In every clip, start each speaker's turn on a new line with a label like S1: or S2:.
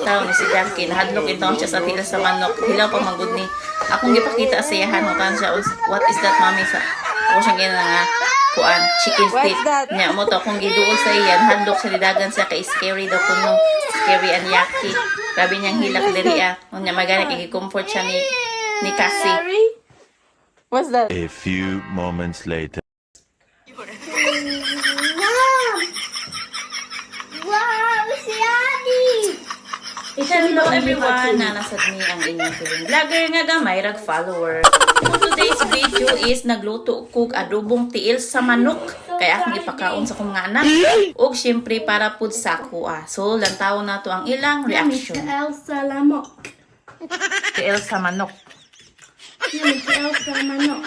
S1: taon ni si Jackie. Nahadlok in taon siya sa tiil sa manok. Hilaw pa magud ni. Akong gipakita sa iyahan mo tan siya. What is that, mami? Sa ako siyang gina nga kuan chicken feet. Nya mo to akong giduol sa iyan. Handok sa lidagan sa kay scary daw kuno. Scary and yucky. Grabe niyang hilak diri ah. Unya magana kay comfort siya ni Cassie.
S2: What's that?
S3: A few moments later.
S4: Wow, si Adi!
S1: Hello everyone! Nanasad ni ang inyong feeling vlogger nga gamay rag follower. So today's video is nagluto kog adobong tiil sa manok. Kaya akong ipakaon sa kong mga anak. Og syempre para pud sa ako ah. So lantaw na to ang ilang reaction.
S4: Tiil sa lamok.
S1: Tiil sa manok.
S4: Tiil sa manok.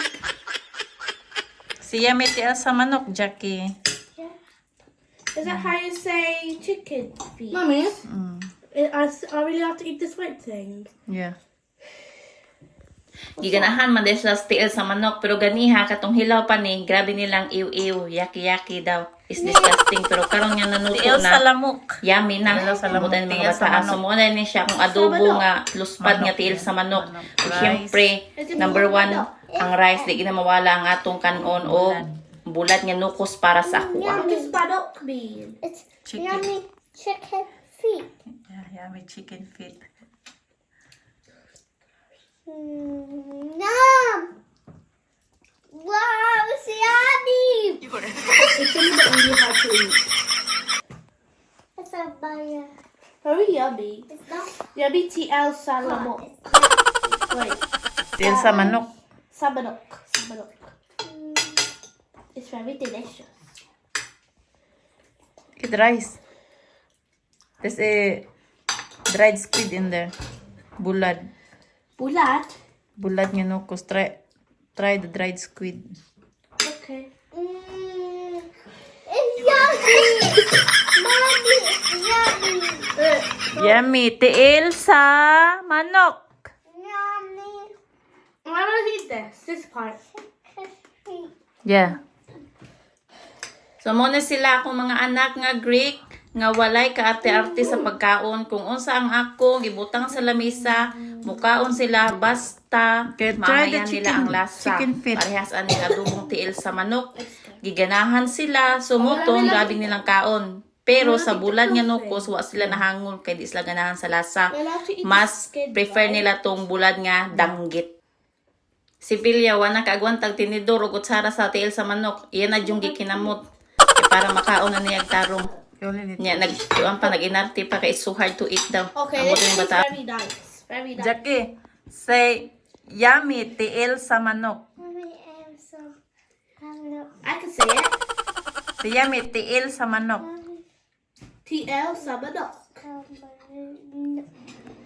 S1: Siya may tiil sa manok, Jackie.
S5: Is that how you say chicken feet?
S4: Mummy,
S5: I really have to eat this white thing.
S1: Yeah. Giganahan man din sa tiil sa manok. Pero ganiha, katong hilaw pa ni, grabe nilang iw-iw, yaki-yaki daw. Is disgusting. Pero karong niya nanuto
S2: Tiil
S1: na.
S2: sa lamok.
S1: Yummy na.
S2: Tiil sa lamok,
S1: Butan mga
S2: tiil sa
S1: bata.
S2: manok.
S1: So, muna ni siya kung adobo nga luspad nga tiil sa manok. Siyempre, number one, ang rice, di ginamawala ang atong kanon o bulat nga nukos para sa ako.
S5: What does badok mean?
S4: it's
S2: Chicken.
S4: yummy chicken feet.
S2: Yeah, yummy chicken feet.
S4: Nom! Wow, si Adi!
S5: It's really hard to eat.
S4: It's a buyer.
S5: Very yummy.
S4: It's not
S5: Yummy TL salamok. Wait,
S1: Tiil sa manok.
S5: sabanok. Sabanok. It's very delicious.
S1: Look at the rice. There's a dried squid in there. Bulad.
S5: Bulat.
S1: Bulad nga nukos. Try the dried squid.
S5: Okay.
S4: it's yummy! Mommy, it's yummy!
S1: Yummy. Tiil sa manok.
S4: Yummy
S5: I want to eat this part.
S4: feet.
S1: Yeah. So, muna sila akong mga anak nga Greek nga walay kaarte-arte sa pagkaon. Kung unsa ang ako, gibutang sa lamisa, mukaon sila basta
S2: Okay, try the
S1: mamayan nila ang lasa.
S2: chicken feet.
S1: Parehas ani adobong tiil sa manok. Giganahan sila, sumutong, grabing nilang kaon. Pero sa bulan nga nukos, wa sila nahangol kay di sila ganahan sa lasa. Mas prefer nila tong bulan nga danggit. Si Pilya, wana kaagwantag tinidor o kutsara sa tiil sa manok. Iyan na yung gikinamot. Para makaon na niya tarong. Nya nag-inarte pa kay so hard to eat daw.
S5: Okay,
S1: Ang
S5: this
S1: buto
S5: is
S1: yung bata.
S5: very nice. Very nice.
S2: Jackie, say yummy tiil sa manok.
S4: Mommy, I'm so hungry.
S5: I can say it.
S2: Say yummy tiil sa manok.
S5: TL sabanok.